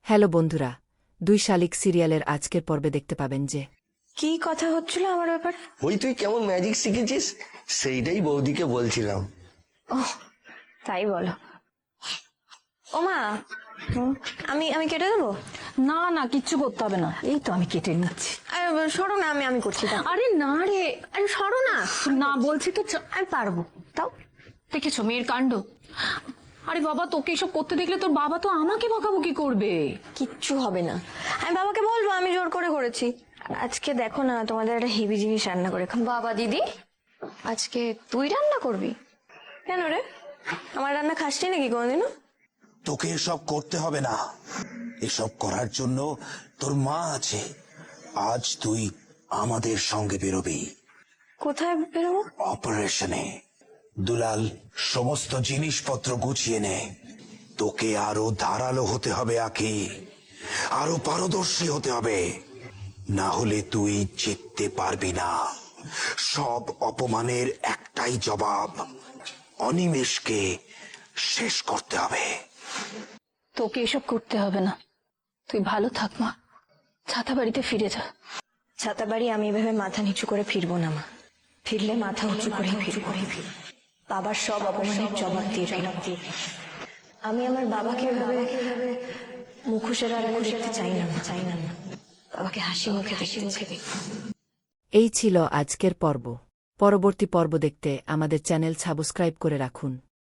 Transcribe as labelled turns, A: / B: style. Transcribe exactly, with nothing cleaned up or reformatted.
A: Hello বন্ধুরা, দুই শালিক সিরিয়ালের আজকের পর্বে দেখতে পাবেন যে
B: কি কথা হচ্ছিল আমার ব্যাপারে।
C: ওই তুই কেমন ম্যাজিক শিখেছিস সেইটাই বৌদিকে বলছিলাম।
B: ওহ, তাই বলো। ওমা, আমি আমি কেটে দেবো?
D: না না, কিচ্ছু করতে হবে না, এই তো আমি কেটে নিচ্ছি।
B: আরে, সরো না, আমি আমি করছি। দাও।
D: আরে না রে,
B: আরে সরো না।
D: না বলছি তো, চ-
B: আমি পারবো। তাও
D: দেখেছো মেয়ের কাণ্ড। আরে বাবা, তোকে এসব করতে দেখলে তোর বাবা তো আমাকে বকাবকি করবে।
B: কিচ্ছু হবে না, আমি বাবাকে বলবো আমি জোর করে করেছি। আজকে দেখো না, তোমাদের একটা হেভি জিনিস রান্না করে খাবো।
E: বাবা দিদি, আজকে তুই রান্না করবি?
B: কেন রে, আমার রান্না খাসনি নাকি কোনোদিনও?
F: তোকে এসব করতে হবে না, এসব করার জন্য তোর মা আছে। আজ তুই আমাদের সঙ্গে বেরোবি
B: কোথায় বেরোবো?
F: অপারেশনে। দুলাল, সমস্ত জিনিসপত্র গুছিয়ে নে। তোকে আরো ধারালো হতে হবে আকি, আরো পারদর্শী হতে হবে, না হলে তুই জিততে পারবি না। সব অপমানের একটাই জবাব, অনিমেষকে শেষ করতে হবে।
D: তোকে এসব করতে হবে না, তুই ভালো থাক মা, ছাতা বাড়িতে ফিরে যা।
B: ছাতা বাড়ি আমি এভাবে মাথা নিচু করে ফিরবো না মা, ফিরলে মাথা উঁচু করে ফিরবো। বাবার সব অপমানের জবাব দিয়ে ফিরব। আমি আমার বাবাকে এভাবে মুখোশের আড়ালে দেখতে চাই না, চাই না না। বাবাকে হাসি মুখে হাসি মুখে দেখি।
A: এই ছিল আজকের পর্ব। পরবর্তী পর্ব দেখতে আমাদের চ্যানেল সাবস্ক্রাইব করে রাখুন।